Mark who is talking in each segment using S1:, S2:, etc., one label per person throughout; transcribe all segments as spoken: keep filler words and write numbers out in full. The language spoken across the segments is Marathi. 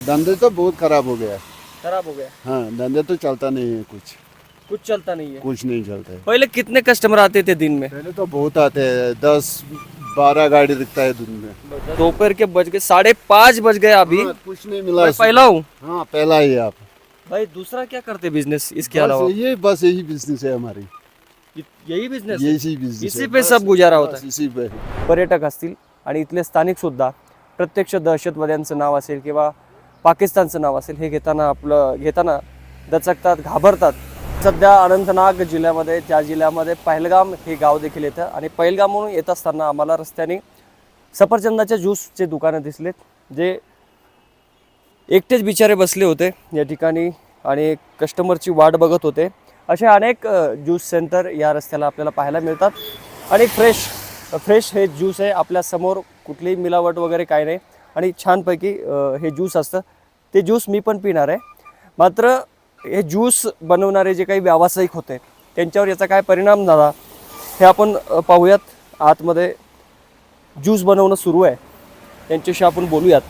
S1: धंधे तो बहुत खराब हो गया।
S2: खराब हो गया,
S1: हाँ, धंधे तो चलता नहीं है, कुछ
S2: कुछ चलता नहीं है।
S1: कुछ नहीं चलता है।
S2: पहले कितने कस्टमर आते थे दिन में?
S1: पहले तो बहुत आते हैं, दस बारह गाड़ी दिखता है दिन में।
S2: दोपहर के बज गए साढ़े पाँच बज गए अभी।
S1: हाँ, कुछ नहीं मिला।
S2: मैं पहला हूँ
S1: हाँ, पहला ही आप।
S2: भाई। दूसरा क्या करते बिजनेस इसके
S1: बस
S2: अलावा?
S1: ये बस यही बिजनेस है हमारी,
S2: यही बिजनेस,
S1: यही बिजनेस
S2: इसी पे सब गुजारा होता है।
S1: इसी पे।
S2: पर्यटक असतील आणि इथले स्थानिक सुद्धा प्रत्यक्ष दहशतवाद्यांचं नाव असेल किंवा पाकिस्तानचं नाव असेल हे घेताना आपलं घेताना दचकतात, घाबरतात। सध्या अनंतनाग जिल्ह्यामध्ये त्या जिल्ह्यामध्ये पहलगाम हे गाव देखील येतं आणि पहलगामहून येत असताना आम्हाला रस्त्याने सफरचंदाच्या ज्यूसचे दुकानं दिसलेत, जे एकटेच बिचारे बसले होते या ठिकाणी आणि कस्टमरची वाट बघत होते। असे अनेक ज्यूस सेंटर या रस्त्याला आपल्याला पाहायला मिळतात आणि फ्रेश फ्रेश हे ज्यूस आहे आपल्या समोर, कुठलीही मिलावट वगैरे काही नाही आणि छानपैकी हे ज्यूस असतं। ते ज्यूस मी पण पिणार आहे, मात्र हे ज्यूस बनवणारे जे काही व्यावसायिक होते त्यांच्यावर याचा काय परिणाम झाला हे आपण पाहूयात। आतमध्ये ज्यूस बनवणं सुरू आहे, त्यांच्याशी आपण बोलूयात।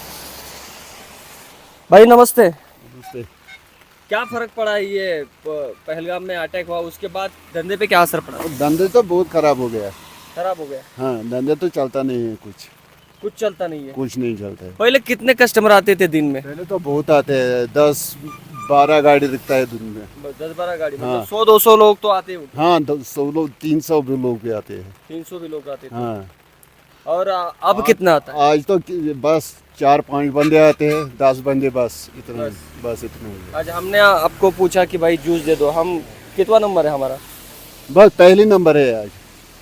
S2: भाई नमस्ते।
S1: नमस्ते।
S2: क्या फर्क पड़ा ये पहलगाम में अटैक हुआ उसके बाद धंधे पे क्या असर पड़ा?
S1: धंधे तो बहुत खराब हो गया।
S2: खराब हो गया,
S1: हाँ, धंधे तो चलता नहीं है, कुछ
S2: कुछ चलता नहीं है।
S1: कुछ नहीं चलता है।
S2: पहले कितने कस्टमर आते थे दिन में?
S1: पहले तो बहुत आते हैं, दस बारह गाड़ी दिखता है दिन में।
S2: दस बारह गाड़ी,
S1: हाँ।
S2: मतलब सौ दो सौ लोग तो आते होंगे।
S1: हाँ, दो- सौ लोग, तीन सौ भी लोग भी आते हैं।
S2: तीन सौ भी लोग आते थे।
S1: हाँ,
S2: और आ, अब कितना आता है?
S1: आज तो कि- बस चार पांच बंदे आते हैं, दस बंदे बस, इतना
S2: बस।
S1: बस इतना ही है।
S2: आज हमने आपको पूछा कि भाई जूस दे दो, हम कितवा नंबर है हमारा?
S1: बस पहली नंबर है आज।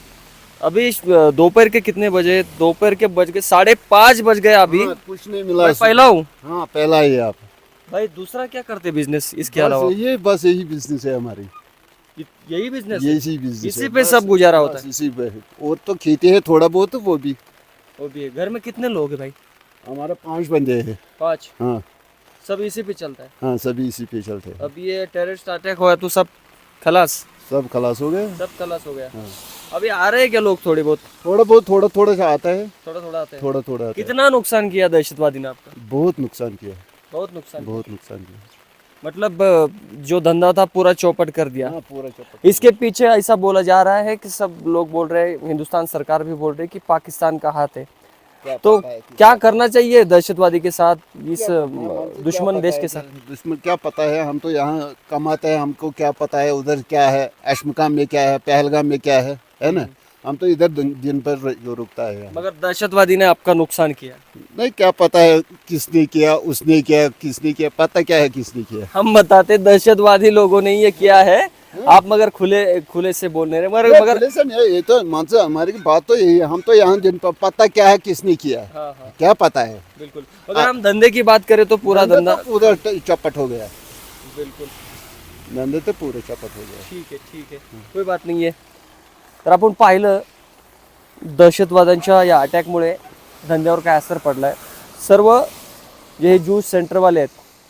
S2: अभी दोपहर के कितने बजे? दोपहर के बज गए साढ़े पाँच बज गए अभी।
S1: हाँ, कुछ नहीं मिला।
S2: मैं पहला हूँ
S1: हाँ, पहला ही आप।
S2: भाई। दूसरा क्या करते बिजनेस इसके
S1: बस
S2: अलावा?
S1: ये बस यही बिजनेस है हमारी,
S2: यही बिजनेस,
S1: यही बिजनेस
S2: इसी
S1: है।
S2: पे
S1: बस-
S2: सब गुजारा होता
S1: बस
S2: है।
S1: इसी पे है। और तो खेती है थोड़ा बहुत, वो भी
S2: वो भी है। घर में कितने लोग हैं भाई?
S1: हमारा पांच बंदे हैं।
S2: पाँच।
S1: हाँ
S2: सब इसी पे चलता है।
S1: हाँ, सभी इसी पे चलते हैं।
S2: अब ये टेररिस्ट अटैक हुआ तो सब खलास,
S1: सब खलास हो गए।
S2: सब खलास हो गया।
S1: हाँ।
S2: अभी आ रहे हैं क्या लोग? थोड़े बहुत,
S1: थोड़ा बहुत, थोड़ा थोड़ा सा आता है,
S2: थोड़ा थोड़ा आते हैं।
S1: थोड़ा थोड़ा आता है।
S2: कितना नुकसान किया दहशतवादी ने आपका?
S1: बहुत नुकसान किया,
S2: बहुत नुकसान।
S1: बहुत नुकसान किया।
S2: मतलब अ, जो धंधा था पूरा चौपट कर दिया।
S1: हाँ, पूरा चौपट।
S2: इसके पीछे ऐसा बोला जा रहा है कि सब लोग बोल रहे हैं, हिंदुस्तान सरकार भी बोल रही है कि पाकिस्तान का हाथ है।
S1: क्या
S2: तो
S1: पता है कि-
S2: क्या करना चाहिए दहशतवादी के साथ, इस
S1: क्या
S2: अ,
S1: पता है, हमको क्या
S2: दुश्मन
S1: पता
S2: देश
S1: है
S2: के
S1: कि-
S2: साथ?
S1: दुश्मन क्या पता है, हम तो यहाँ कमाते हैं, हमको क्या पता है उधर क्या है, अशमकाम में क्या है, पहलगाम में क्या है, है ना। हम तो इधर दिन दिन पर जो रुकता है यहाँ।
S2: मगर दहशतवादी ने आपका नुकसान किया।
S1: नहीं, क्या पता है किसने किया, उसने किया, किसने किया, पता क्या है किसने किया।
S2: हम बताते दहशतवादी लोगों ने ये किया है, आप मगर खुले खुले से बोल नहीं रहे। मगर
S1: ये
S2: मगर
S1: पुलिस है नहीं, ये तो मान से हमारी बात तो यही है, हम तो यहाँ दिन पर पता क्या है किसने किया,
S2: हाँ हाँ
S1: क्या पता है।
S2: बिल्कुल। अगर हम धंधे की बात करें तो पूरा धंधा
S1: तो पूरा चपट हो गया,
S2: बिल्कुल
S1: धंदे तो पूरे चपट हो गया।
S2: ठीक आहे, ठीक आहे, कोई बात नाही आहे। तर आपण पाहिलं दहशतवाद्यांच्या या अटॅकमुळे धंद्यावर काय असर पडला आहे। सर्व जे हे ज्यूस सेंटरवाले आहेत,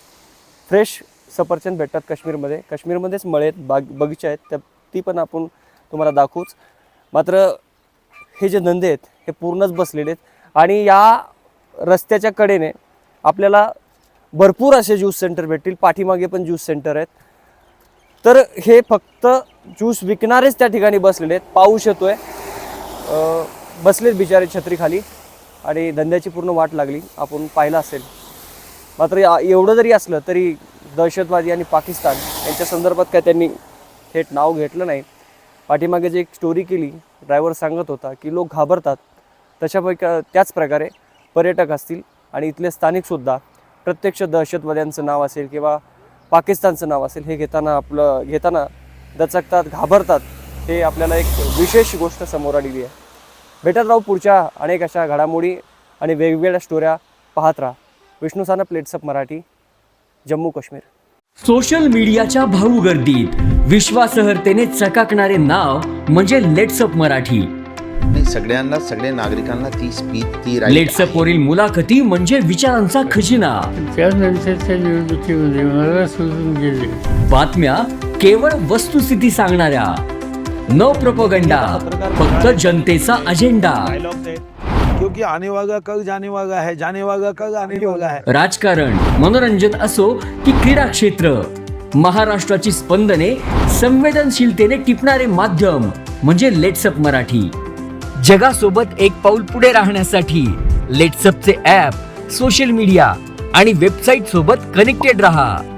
S2: फ्रेश सफरचंद भेटतात काश्मीरमध्ये, काश्मीरमध्येच मळे आहेत, बाग बगीचे आहेत, त्या ती पण आपण तुम्हाला दाखवूच। मात्र हे जे धंदे आहेत हे पूर्णच बसलेले आहेत आणि या रस्त्याच्या कडेने आपल्याला भरपूर असे ज्यूस सेंटर भेटतील, पाठीमागे पण ज्यूस सेंटर आहेत। तर हे फक्त ज्यूस विकणारेच त्या ठिकाणी बसलेले आहेत। पाऊस येतोय, बसलेत बिचारे छत्रीखाली आणि धंद्याची पूर्ण वाट लागली, आपण पाहिलं असेल। मात्र एवढं जरी असलं तरी दहशतवादी आणि पाकिस्तान यांच्या संदर्भात काय त्यांनी थेट नाव घेतलं नाही। पाठीमागे जे एक स्टोरी केली, ड्रायव्हर सांगत होता की लोक घाबरतात, तशापैकी त्याच प्रकारे पर्यटक असतील आणि इथले स्थानिकसुद्धा प्रत्यक्ष दहशतवाद्यांचं नाव असेल किंवा पाकिस्तानचं नाव असेल हे घेताना आपलं घेताना दचकतात, घाबरतात। हे आपल्याला एक विशेष गोष्ट समोर आलेली आहे। भेटत राहू पुढच्या अनेक अशा घडामोडी आणि वेगवेगळ्या स्टोऱ्या पाहत राहा। विष्णू साना, प्लेट्सअप मराठी, जम्मू काश्मीर।
S3: सोशल मीडियाच्या भाऊ गर्दीत विश्वासार्हतेने चकाकणारे नाव म्हणजे लेट्सअप मराठी।
S4: नाही, सगळ्यांना, सगळ्या नागरिकांना ती स्पीच, ती right
S3: लेट्सअप वरील मुलाखती म्हणजे विचारांचा खजिना।
S5: त्यानंतरच्या निवडणुकीमध्ये मला सोडून गेले।
S3: बातम्या केवळ वस्तुस्थिती सांगणाऱ्या, न प्रोपगंडा, फक्त जनतेचा अजेंडा।
S6: क्योंकि आने वाला कल जाने वाला है, जाने वाला कल आने वाला है.
S3: राजकारण, मनोरंजन असो की क्रीडा क्षेत्र, महाराष्ट्राची स्पंदने संवेदनशीलतेने टिपणारे माध्यम म्हणजे लेट्सअप मराठी. जगासोबत एक पाऊल पुढे राहण्यासाठी लेट्सअपचे ॲप, सोशल मीडिया आणि वेबसाईट सोबत कनेक्टेड रहा.